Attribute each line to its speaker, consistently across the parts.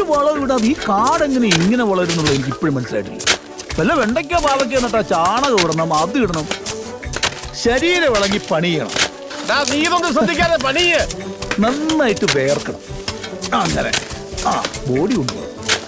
Speaker 1: വളം ഇടാതെ ഈ കാടെങ്ങനെ ഇങ്ങനെ വളരുന്നുള്ളത് എനിക്ക് ഇപ്പോഴും മനസ്സിലായിട്ടില്ല. വല്ല വെണ്ടയ്ക്കോ പാവയ്ക്കോ നട്ടാ ചാണകം ഇടണം, അത് ഇടണം, ശരീരം ഇളകി പണിയണം,
Speaker 2: നീ ഇതൊന്നും ശ്രദ്ധിക്കാതെ പണിയേ,
Speaker 1: നന്നായിട്ട് വേർക്കണം. അങ്ങനെ ആ ബോഡി കൊണ്ടുപോകും.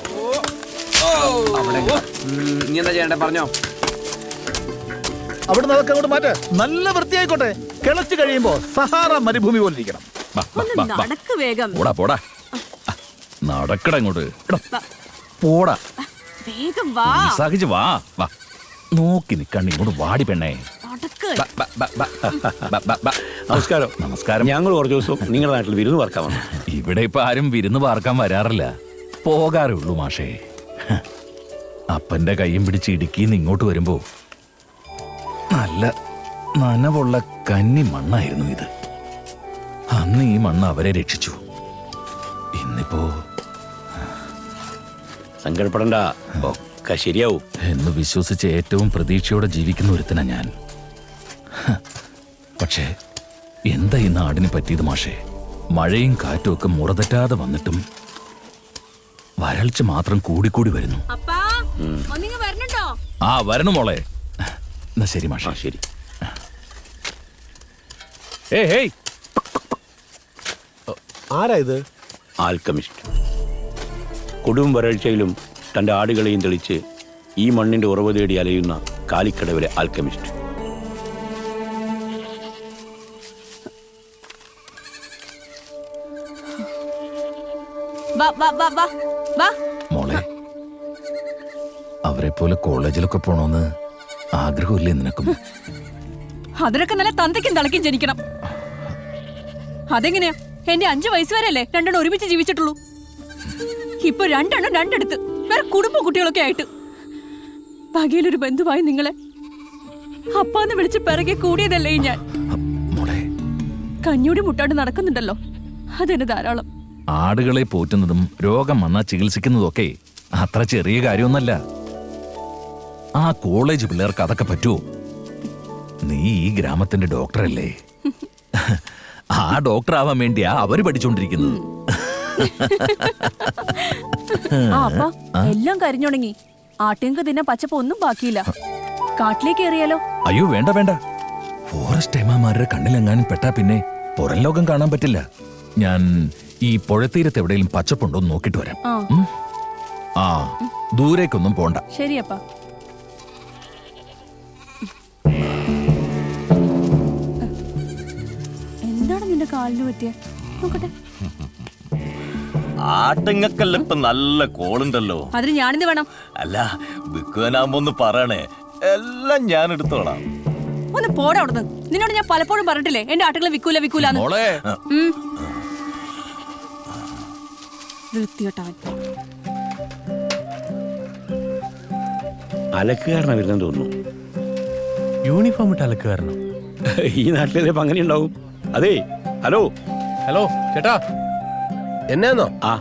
Speaker 3: നീ എന്താ ചെയ്യണ്ടേ പറഞ്ഞോ.
Speaker 1: അവിടെ അതൊക്കെ അങ്ങോട്ട് മാറ്റ, നല്ല വൃത്തിയായിക്കോട്ടെ. കിളച്ച് കഴിയുമ്പോ സഹാറ മരുഭൂമി പോലെ ഇരിക്കണം.
Speaker 4: വേഗം
Speaker 1: പോടാ നടക്കട ഇങ്ങോട്ട്, പോടാ
Speaker 4: വേഗം വാ.
Speaker 1: സഹിച്ച് വാ വാ. നോക്കി നിക്കണ്ട, ഇങ്ങോട്ട് വാടി പെണ്ണേ.
Speaker 5: നമസ്കാരം.
Speaker 1: നമസ്കാരം.
Speaker 5: ഞങ്ങൾ കുറച്ച് ദിവസം നിങ്ങളുടെ നാട്ടിൽ വിരുന്ന് പാർക്കാൻ വന്നു.
Speaker 1: ഇവിടെ ഇപ്പൊ ആരും വിരുന്ന് പാർക്കാൻ വരാറില്ല, പോകാറേ ഉള്ളൂ മാഷേ. അപ്പന്റെ കൈയും പിടിച്ച് ഇടുക്കിന്ന് ഇങ്ങോട്ട് വരുമ്പോ നല്ല നനവുള്ള കന്നി മണ്ണായിരുന്നു ഇത്. അന്ന് ഈ മണ്ണ് അവരെ രക്ഷിച്ചു. ഇന്നിപ്പോ
Speaker 5: സങ്കടപ്പെടണ്ട, ഒക്കെ ശരിയാവും
Speaker 1: എന്ന് വിശ്വസിച്ച് ഏറ്റവും പ്രതീക്ഷയോടെ ജീവിക്കുന്ന ഒരുത്തനാ ഞാൻ. പക്ഷേ എന്താ ഈ നാടിന് പറ്റിയത് മാഷേ? മഴയും കാറ്റും ഒക്കെ മുറതെറ്റാതെ വന്നിട്ടും വരൾച്ച മാത്രം കൂടിക്കൂടി വരുന്നു. ആ വരണം മോളെ. എന്നാ ശരി മാഷേ.
Speaker 5: ശരി.
Speaker 1: ഏയ്
Speaker 2: ആരാ ഇത്?
Speaker 5: ആൽക്കമിസ്റ്റ്. കൊടും വരൾച്ചയിലും തൻ്റെ ആടുകളെയും തെളിച്ച് ഈ മണ്ണിന്റെ ഉറവ് തേടി അലയുന്ന കാലിക്കടവിലെ ആൽക്കമിസ്റ്റ്.
Speaker 1: മോളെ, അവരെ പോലെ കോളേജിലൊക്കെ പോണോന്ന് ആഗ്രഹമില്ലേ നിനക്കും?
Speaker 4: അതിനൊക്കെ നല്ല തന്തയ്ക്കും തളയ്ക്കും ജനിക്കണം. അതെങ്ങനെയാ? എന്റെ 5 വയസ്സ് വരെയല്ലേ രണ്ടെണ്ണം ഒരുമിച്ച് ജീവിച്ചിട്ടുള്ളൂ. ഇപ്പൊ രണ്ടെണ്ണം രണ്ടെടുത്ത് വേറെ കുടുംബ കുട്ടികളൊക്കെ ആയിട്ട്. പകയിലൊരു ബന്ധുവായി നിങ്ങളെ അപ്പാന്ന് വിളിച്ച് പിറകെ കൂടിയതല്ലേ ഞാൻ.
Speaker 1: മോളെ,
Speaker 4: കഞ്ഞൂടി മുട്ടാണ്ട് നടക്കുന്നുണ്ടല്ലോ, അതെന്നെ ധാരാളം.
Speaker 1: ആടുകളെ പോറ്റുന്നതും രോഗം വന്നാൽ ചികിത്സിക്കുന്നതൊക്കെ അത്ര ചെറിയ കാര്യമൊന്നല്ല. ആ കോളേജ് പിള്ളേർക്ക് അതൊക്കെ പറ്റുമോ? നീ ഈ ഗ്രാമത്തിന്റെ ഡോക്ടറല്ലേ? ആ ഡോക്ടർ ആവാൻ വേണ്ടിയാ അവര് പഠിച്ചോണ്ടിരിക്കുന്നത്.
Speaker 4: എല്ലാം കരിഞ്ഞുണങ്ങി, ആട്ടിയങ്ക് തിന്നെ പച്ചപ്പ് ഒന്നും ബാക്കിയില്ല. കാട്ടിലേക്ക് എറിയാലോ?
Speaker 1: അയ്യോ വേണ്ട വേണ്ട. ഫോറസ്റ്റ് ഏമാമാരുടെ കണ്ണിലെങ്ങാനും പെട്ടാ പിന്നെ പുറം ലോകം കാണാൻ പറ്റില്ല. ഞാൻ ഈ പുഴത്തീരത്ത് എവിടെയും പച്ചപ്പുണ്ടോ നോക്കിട്ട് വരാം. ആ ദൂരേക്കൊന്നും പോണ്ട.
Speaker 4: ശരിയപ്പാ. എന്താണ് നിന്റെ കാലിന് പറ്റിയ? നോക്കട്ടെ.
Speaker 6: ആട്ടുങ്ങക്കല്ല ഇപ്പൊ നല്ല കോളുണ്ടല്ലോ.
Speaker 4: അതിന് ഞാനിത് വേണം.
Speaker 6: അല്ല വിൽക്കുവാനാകുമ്പോ ഒന്ന് പറയണേ, എല്ലാം ഞാൻ എടുത്തോളാം.
Speaker 4: ഒന്ന് പോടാ അവിടുന്ന്. നിന്നോട് ഞാൻ പലപ്പോഴും പറഞ്ഞിട്ടില്ലേ എന്റെ ആട്ടുകളെ വിക്കൂലെന്ന്.
Speaker 5: അലക്കുകാരനാ വരുന്നെന്ന് തോന്നുന്നു.
Speaker 2: യൂണിഫോം ഇട്ട് അലക്കുകാരനോ?
Speaker 5: ഈ നാട്ടിലെ അങ്ങനെ ഉണ്ടാവും. അതെ, ഹലോ
Speaker 2: ഹലോ ചേട്ടാ, എന്നാന്നോ?
Speaker 5: ആ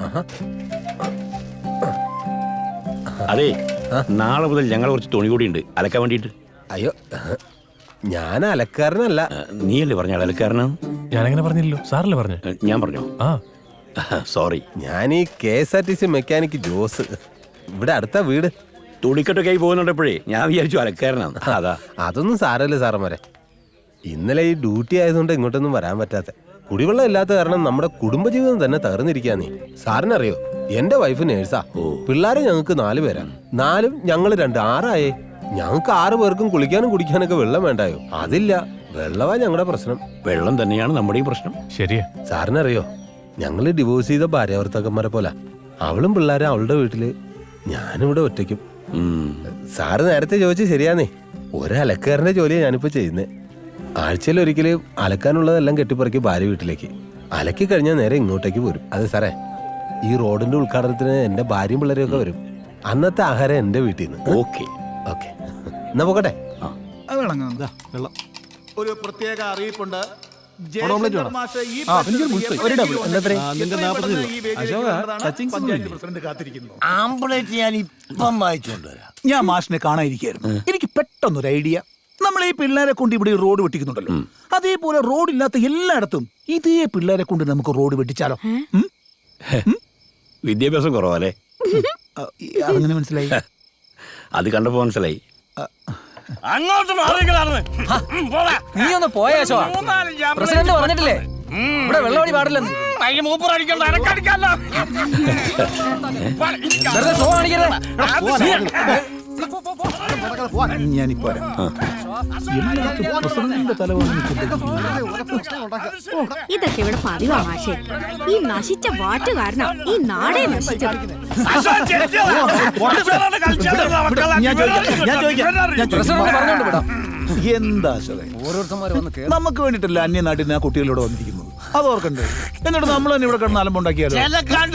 Speaker 5: അതെ, നാളെ മുതൽ ഞങ്ങൾ കുറച്ച് തുണി കൂടി ഉണ്ട് അലക്കാൻ വേണ്ടിട്ട്.
Speaker 2: അയ്യോ, ഞാൻ അലക്കാരനല്ല.
Speaker 5: നീയല്ലേ പറഞ്ഞ അലക്കാരനാണ്?
Speaker 2: ഞാനങ്ങനെ പറഞ്ഞില്ലല്ലോ, സാറല്ലേ പറഞ്ഞു.
Speaker 5: ഞാൻ പറഞ്ഞോ?
Speaker 2: ആ
Speaker 5: സോറി.
Speaker 2: ഞാൻ ഈ KSRTC മെക്കാനിക് ജോസ്, ഇവിടെ അടുത്ത വീട്.
Speaker 5: തുണിക്കെട്ടൊക്കെ ആയി പോകുന്നുണ്ടപ്പോഴേ ഞാൻ വിചാരിച്ചു അലക്കാരനാണ്. അതാ.
Speaker 2: അതൊന്നും സാരല്ലേ സാറന്മാരെ. ഇന്നലെ ഈ ഡ്യൂട്ടി ആയതുകൊണ്ട് ഇങ്ങോട്ടൊന്നും വരാൻ പറ്റാത്ത. കുടിവെള്ളം ഇല്ലാത്ത കാരണം നമ്മുടെ കുടുംബജീവിതം തന്നെ തകർന്നിരിക്കാന്നേ. സാറിനറിയോ, എന്റെ വൈഫ് നേഴ്സാ. പിള്ളേരെ ഞങ്ങൾക്ക് 4 പേരാ. 4ഉം ഞങ്ങൾ 2, 6 ആയേ. ഞങ്ങൾക്ക് 6 പേർക്കും കുളിക്കാനും കുടിക്കാനൊക്കെ വെള്ളം വേണ്ടായോ? അതില്ല. വെള്ളമാ ഞങ്ങളുടെ പ്രശ്നം.
Speaker 5: വെള്ളം തന്നെയാണ് നമ്മുടെയും പ്രശ്നം.
Speaker 2: ശരിയാ. സാറിനറിയോ, ഞങ്ങള് ഡിവോഴ്സ് ചെയ്ത ഭാര്യാഭർത്താക്കന്മാരെ പോലെ. അവളും പിള്ളേരും അവളുടെ വീട്ടില്, ഞാനിവിടെ ഒറ്റയ്ക്കും. സാറ് നേരത്തെ ചോദിച്ചു ശരിയാന്നേ. ഒരലക്കാരന്റെ ജോലിയാണ് ഞാനിപ്പോ ചെയ്യുന്നേ. ആഴ്ചയിൽ ഒരിക്കല് അലക്കാനുള്ളതെല്ലാം കെട്ടിപ്പറക്കി ഭാര്യ വീട്ടിലേക്ക് അലക്കി കഴിഞ്ഞാൽ നേരെ ഇങ്ങോട്ടേക്ക് പോരും. അതെ സാറേ, ഈ റോഡിന്റെ ഉദ്ഘാടനത്തിന് എന്റെ ഭാര്യയും പിള്ളേരും ഒക്കെ വരും. അന്നത്തെ ആഹാരം എന്റെ വീട്ടിൽ നിന്ന്.
Speaker 5: ഓക്കെ
Speaker 2: ഓക്കെ, എന്നാ പോകട്ടെ.
Speaker 1: ഒരു പ്രത്യേക അറിയിപ്പുണ്ട്.
Speaker 6: ആംബുലൻസ് ഞാൻ ഇപ്പം വായിച്ചോണ്ട് വരാം.
Speaker 1: ഞാൻ മാഷിനെ കാണാതിരിക്കായിരുന്നു. എനിക്ക് പെട്ടെന്നൊരു ഐഡിയ. നമ്മൾ ഈ പിള്ളേരെ കൊണ്ട് ഇവിടെ റോഡ് വെട്ടിക്കുന്നുണ്ടല്ലോ, അതേപോലെ റോഡില്ലാത്ത എല്ലായിടത്തും ഇതേ പിള്ളേരെ കൊണ്ട് നമുക്ക് റോഡ് വെട്ടിച്ചാലോ?
Speaker 5: വിദ്യാഭ്യാസം കുറവല്ലേ?
Speaker 7: അതങ്ങനെ മനസ്സിലായി.
Speaker 5: അത് കണ്ടപ്പോ മനസ്സിലായി.
Speaker 6: അങ്ങോട്ട് മാറിക്കളാണ്.
Speaker 8: നീ ഒന്ന് പോയാ പ്രസിഡന്റ് പറഞ്ഞിട്ടില്ലേ ഇവിടെ വെള്ളമടി പാടില്ലെന്ന്.
Speaker 6: മൂപ്പർ അടിക്കണ്ട, എനക്കടിക്കാല്ലോ.
Speaker 8: വെറുതെ ഷോ കാണിക്കരുത്.
Speaker 7: ഞാനിപ്പോ പ്രസിഡന്റിന്റെ തല
Speaker 9: ഇതൊക്കെ ഇവിടെ പതിവാ മാഷേ. ഈ നശിച്ച വാറ്റ് കാരണം ഈ നാടേ നശിച്ചത്.
Speaker 8: പ്രസിഡന്റ് പറഞ്ഞോണ്ട് വിടാം.
Speaker 7: എന്താ
Speaker 8: ഓരോരുത്തന്മാര് വന്ന്
Speaker 7: നമുക്ക് വേണ്ടിട്ടല്ല അന്യനാട്ടിൽ ആ കുട്ടികളോട് വന്നിരിക്കുന്നത്, അത് ഓർക്കണ്ടേ? എന്നിട്ട് നമ്മൾ തന്നെ ഇവിടെ കിടന്ന് അലമ്പുണ്ടാക്കിയാലോ? ഞാൻ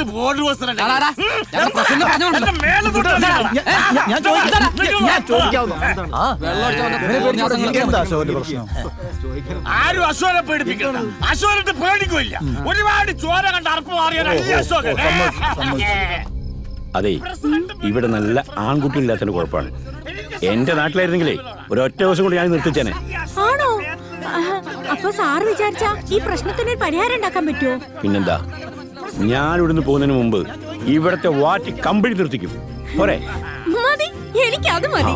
Speaker 7: എന്താ അശോകന്റെ പ്രശ്നം?
Speaker 6: ആരും അശോകനെ പേടിപ്പിക്കണ്ട. അശോകനെ പേടിക്കില്ല. ഒരുപാട് ചോര കണ്ട് അറപ്പ് മാറിയാണ് ഈ അശോകൻ.
Speaker 5: അതെ, ഇവിടെ നല്ല ആൺകുട്ടികളില്ലാത്തതിന് കുഴപ്പമാണ്. എന്റെ നാട്ടിലായിരുന്നെങ്കിലേ ഒരൊറ്റ ദിവസം കൊണ്ട് ഞാൻ നിർത്തിച്ചേനെ.
Speaker 9: ആണോ? അപ്പൊ സാറ് വിചാരിച്ച ഈ പ്രശ്നത്തിന് ഒരു പരിഹാരം ഉണ്ടാക്കാൻ പറ്റുമോ?
Speaker 5: പിന്നെന്താ, ഞാൻ ഇവിടുന്ന് പോകുന്നതിന് മുമ്പ് ഇവിടത്തെ വാറ്റ് കമ്പിളി നിർത്തിക്കും. പോരെ?
Speaker 9: മതി, എനിക്ക് അത് മതി.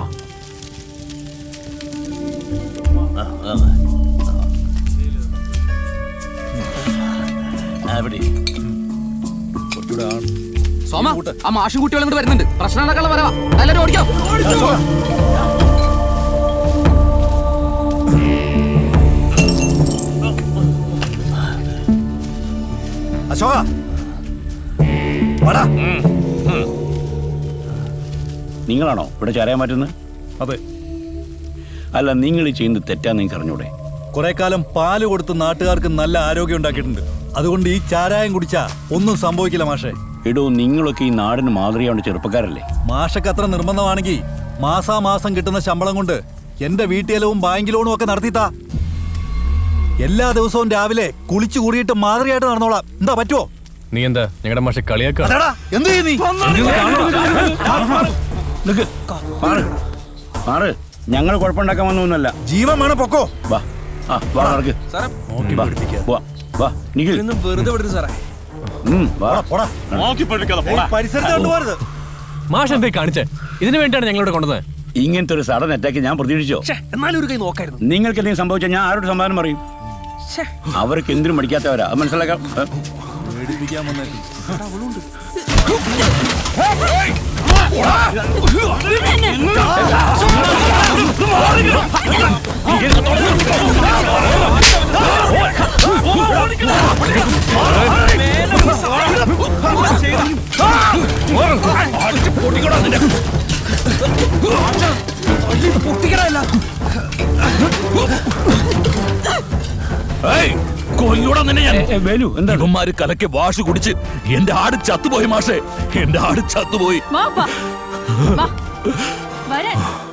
Speaker 8: സോമ, ആ മാഷും കുട്ടികളും കൂടെ വരുന്നുണ്ട്. പ്രശ്നം നടക്കാനുള്ള വരവാ. എല്ലാവരും ഓടിക്കാം.
Speaker 7: അശോക,
Speaker 5: നിങ്ങളാണോ ഇവിടെ ചാരാൻ മാറ്റുന്നത്?
Speaker 10: അതെ.
Speaker 5: അല്ല, നിങ്ങൾ ചെയ്യുന്നത് തെറ്റാന്ന് നിങ്ങൾക്ക് അറിഞ്ഞൂടെ?
Speaker 10: കുറെ കാലം പാല് കൊടുത്ത് നാട്ടുകാർക്ക് നല്ല ആരോഗ്യം ഉണ്ടാക്കിയിട്ടുണ്ട്. അതുകൊണ്ട് ഈ ചാരായം കുടിച്ചാ ഒന്നും സംഭവിക്കില്ല മാഷെ.
Speaker 5: എടോ, നിങ്ങളൊക്കെ ഈ നാടിന് മാതൃകയാണ്, ചെറുപ്പക്കാരല്ലേ?
Speaker 10: മാഷക്ക് അത്ര നിർബന്ധമാണെങ്കിൽ മാസാമാസം കിട്ടുന്ന ശമ്പളം കൊണ്ട് എന്റെ വീട്ടിലും ബാങ്ക് ലോണും ഒക്കെ നടത്തിത്താ. എല്ലാ ദിവസവും രാവിലെ കുളിച്ചു കൂടിയിട്ട് മാതൃകയായിട്ട് നടന്നോളാം. എന്താ പറ്റുമോ?
Speaker 11: നീ എന്താ ഞങ്ങളുടെ മാഷെ കളിയാക്ക?
Speaker 10: എന്ത് ചെയ്യും നീ?
Speaker 5: മാറ്, ഞങ്ങൾ കുഴപ്പമുണ്ടാക്കാൻ വന്നൊന്നുമല്ല.
Speaker 10: ജീവൻ വേണം, പൊക്കോ.
Speaker 5: വാ, വാ, നടക്ക്. വാ, വാ, നിഖിൽ.
Speaker 8: വെറുതെ വിടുന്നു സാറേ.
Speaker 5: വാ.
Speaker 10: പരിസരത്ത് കൊണ്ടുപോകരുത്.
Speaker 11: മാഷ് എന്തേ കാണിച്ചേ? ഇതിനു വേണ്ടിയാണ് ഞങ്ങളിവിടെ കൊണ്ടുവന്നത്.
Speaker 5: ഇങ്ങനത്തെ ഒരു സഡൻ അറ്റാക്ക് ഞാൻ പ്രതീക്ഷിച്ചോ?
Speaker 8: എന്നാലും ഒരു കൈ നോക്കായിരുന്നു.
Speaker 5: നിങ്ങൾക്ക് എന്തെങ്കിലും സംഭവിച്ചാൽ ഞാൻ ആരോട് സമാധാനം പറയും? അവർക്ക് എന്തിനും മടിക്കാത്തവരാ, അത് മനസ്സിലാക്കാം.
Speaker 10: പേടിപ്പിക്കാൻ വന്നേക്കും.
Speaker 1: ഇവന്മാര് കലക്കെ വാഷ് കുടിച്ച് എന്റെ ആട് ചത്തുപോയി മാഷേ. എന്റെ ആട് ചത്തുപോയി.
Speaker 4: വാ, വാ. വാ. വരാൻ